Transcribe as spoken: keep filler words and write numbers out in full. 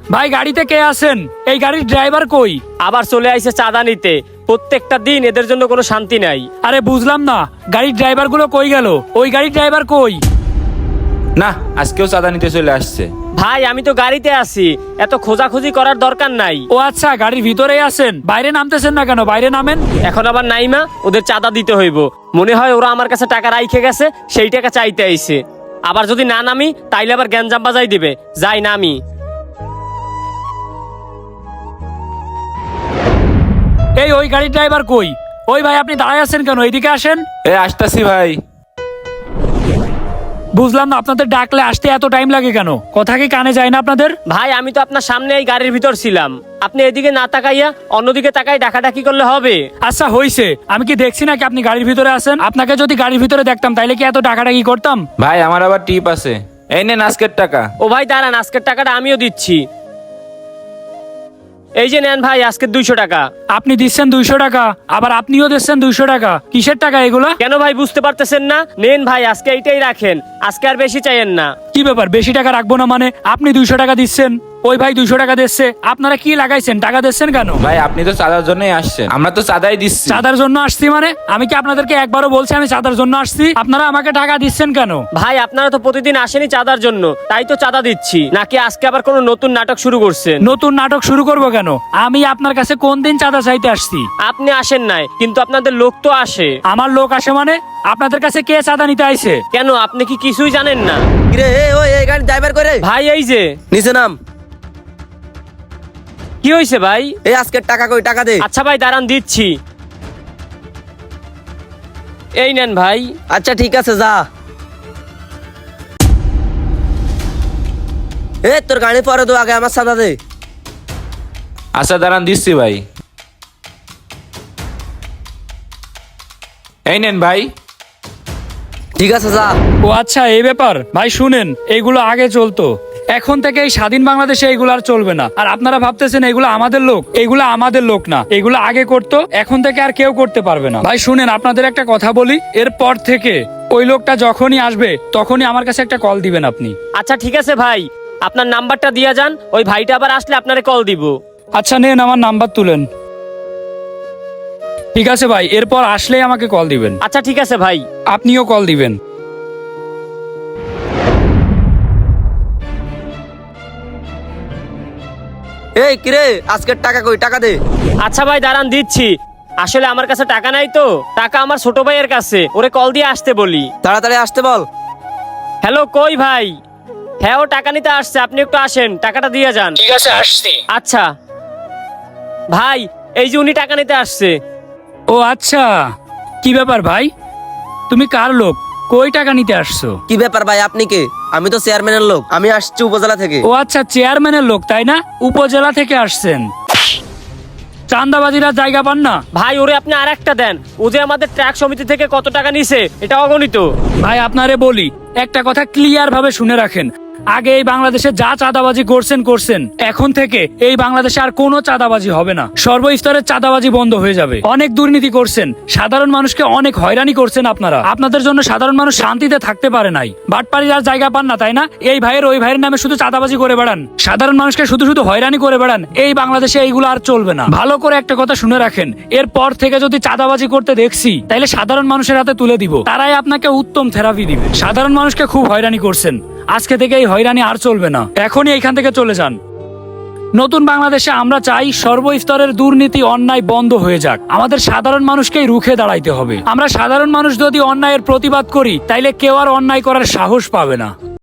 ভাই গাড়িতে কে আছেন? এই গাড়ির ড্রাইভার কই? আবার চলে আইছে চাঁদা নিতে। প্রত্যেকটা দিন এদের জন্য কোনো শান্তি নাই। আরে বুঝলাম না, গাড়ির ড্রাইভার গুলো কই গেল? ওই গাড়ির ড্রাইভার কই? না, আজকেও চাঁদা নিতে চলে আসছে। ভাই আমি তো গাড়িতে আছি, এত খোঁজাখুঁজি করার দরকার নাই। ও আচ্ছা, গাড়ির ভিতরেই আছেন, বাইরে নামতেছেন না কেন? বাইরে নামেন। এখন আবার নাইমা ওদের চাঁদা দিতে হইব। মনে হয় ওরা আমার কাছে টাকা রাইখে গেছে, সেই টাকা চাইতে আইছে। আবার যদি না নামি তাইলে আবার গ্যাঞ্জাম বাজাই দিবে। যাই নামি। এই ওই গাড়ির ড্রাইভার কই? ওই ভাই আপনি দাঁড়ায় আছেন কেন? এইদিকে আসেন। এ আসতাছি ভাই। বুঝলাম না, আপনাদের ডাকলে আসতে এত টাইম লাগে কেন? কথা কি কানে যায় না আপনাদের? ভাই আমি তো আপনার সামনে এই গাড়ির ভিতর ছিলাম, আপনি এদিকে না তাকাইয়া অন্যদিকে তাকাই ডাকাডাকি করলে হবে? আচ্ছা হইছে, আমি কি দেখছি নাকি আপনি গাড়ির ভিতরে আছেন? আপনাকে যদি গাড়ির ভিতরে দেখতাম তাইলে কি এত ডাকাডাকি করতাম? ভাই আমার আবার টিপ আছে, এই নেন আজকের টাকা। ও ভাই দাঁড়ান, আজকের টাকাটা আমিও দিচ্ছি। এই যে নেন ভাই আজকের দুইশো টাকা। আপনি দিচ্ছেন দুইশো টাকা, আবার আপনিও দিচ্ছেন দুইশো টাকা। কিসের টাকা এগুলা? কেন ভাই বুঝতে পারতেছেন না? নেন ভাই আজকে এইটাই রাখেন, আজকে আর বেশি চাইেন না। কি ব্যাপার, বেশি টাকা রাখবো না মানে? আপনি দুইশো টাকা দিচ্ছেন, ওই ভাই দুইশো টাকা দিচ্ছে, আপনারা কি লাগাইছেন? টাকা দিচ্ছেন কেন? ভাই আপনি তো চাঁদার জন্যই আসছেন, আমরা তো চাঁদাই দিচ্ছি। চাঁদার জন্য আসছি মানে? আমি কি আপনাদেরকে একবারও বলছি আমি চাঁদার জন্য আসছি? আপনারা আমাকে টাকা দিচ্ছেন কেন? ভাই আপনারা তো প্রতিদিন আসেনি চাঁদার জন্য, তাই তো চাঁদা দিচ্ছি। নাকি আজকে আবার কোনো নতুন নাটক শুরু করছেন? নতুন নাটক শুরু করবো কেন? আমি আপনার কাছে কোন দিন চাঁদা চাইতে আসছি? আপনি আসেন নাই, কিন্তু আপনাদের লোক তো আসে। আমার লোক আসে মানে? আপনাদের কাছে কে চাঁদা নিতে আইছে? কেন আপনি কি কিছুই জানেন না? কিরে এ ওই এই গাড়ি ড্রাইভার করে ভাই এই যে। নিচে নাম। কি হয়েছে ভাই? এই আজকের টাকা কই, টাকা দে। আচ্ছা ভাই দাঁড়ান দিচ্ছি। এই নেন ভাই। আচ্ছা ঠিক আছে যা। এ তোর গাড়ি পরে দো, আগে আমার সাদা দে। আচ্ছা দাঁড়ান দিচ্ছি ভাই, এই নেন ভাই। ঠিক আছে যা। ও আচ্ছা এই ব্যাপার। ভাই শুনেন, এইগুলো আগে চলতো, এখন থেকে এই স্বাধীন বাংলাদেশে এগুলো আর চলবে না। আর আপনারা ভাবতেছেন এগুলো আমাদের লোক, এগুলো আমাদের লোক না। এগুলো আগে করতো, এখন থেকে আর কেউ করতে পারবে না। ভাই শুনেন, আপনাদের একটা কথা বলি, এরপর থেকে ওই লোকটা যখনই আসবে তখনই আমার কাছে একটা কল দিবেন আপনি। আচ্ছা ঠিক আছে ভাই, আপনার নাম্বারটা দিয়া যান, ওই ভাইটা আবার আসলে আপনারে কল দিব। আচ্ছা নেন, আমার নাম্বার তুলেন। ঠিক আছে ভাই, এরপর আসলেই আমাকে কল দিবেন। আচ্ছা ঠিক আছে ভাই। আপনিও কল দিবেন। এই কিরে আজকের টাকা কই, টাকা দে। আচ্ছা ভাই দাঁড়ান দিচ্ছি। আসলে আমার কাছে টাকা নাই তো, টাকা আমার ছোট ভাইয়ের কাছে, ওরে কল দিয়ে আসতে বলি। তাড়াতাড়ি আসতে বল। হ্যালো কই ভাই? হ্যাঁ ও টাকা নিতে আসছে, আপনি একটু আসেন, টাকাটা দিয়ে যান। ঠিক আছে আসছি। আচ্ছা ভাই, এই যে উনি টাকা নিতে আসছে। ও আচ্ছা, কি ব্যাপার ভাই? তুমি কার লোক? কই টাকা নিতে আসছো? কি ব্যাপার ভাই, আপনি কে? আমি তো চেয়ারম্যানের লোক, আমি আসছি উপজেলা থেকে। ও আচ্ছা, চেয়ারম্যানের লোক তাই না? উপজেলা থেকে আসছেন। চাঁদাবাজিরা জায়গা পান না ভাই ওরে আপনি আর একটা দেন, ও যে আমাদের ট্রাক সমিতি থেকে কত টাকা নিছে এটা অগণিত। ভাই। আপনারে বলি একটা কথা ক্লিয়ার ভাবে শুনে রাখেন, আগে এই বাংলাদেশে যা চাঁদাবাজি করছেন করছেন, এখন থেকে এই বাংলাদেশে আর কোনো চাঁদাবাজি হবে না। সর্বস্তরের চাঁদাবাজি বন্ধ হয়ে যাবে। অনেক দুর্নীতি করছেন, সাধারণ মানুষকে অনেক হয়রানি করছেন আপনারা। আপনাদের জন্য সাধারণ মানুষ শান্তিতে থাকতে পারে নাই। বাটপাড়ির আর জায়গা পান না তাই না? এই ভাইয়ের ওই ভাইয়ের নামে শুধু চাঁদাবাজি করে বেড়ান, সাধারণ মানুষকে শুধু শুধু হয়রানি করে বেড়ান। এই বাংলাদেশে এইগুলো আর চলবে না। ভালো করে একটা কথা শুনে রাখেন, এরপর থেকে যদি চাঁদাবাজি করতে দেখছি তাইলে সাধারণ মানুষের হাতে তুলে দিব, তারাই আপনাকে উত্তম থেরাপি দিবে। সাধারণ মানুষকে খুব হয়রানি করছেন, আজকে থেকে এই হয়রানি আর চলবে না। এখনই এখান থেকে চলে যান। নতুন বাংলাদেশে আমরা চাই সর্বস্তরের দুর্নীতি অন্যায় বন্ধ হয়ে যাক। আমাদের সাধারণ মানুষকেই রুখে দাঁড়াইতে হবে। আমরা সাধারণ মানুষ যদি অন্যায়ের প্রতিবাদ করি তাইলে কেউ আর অন্যায় করার সাহস পাবে না।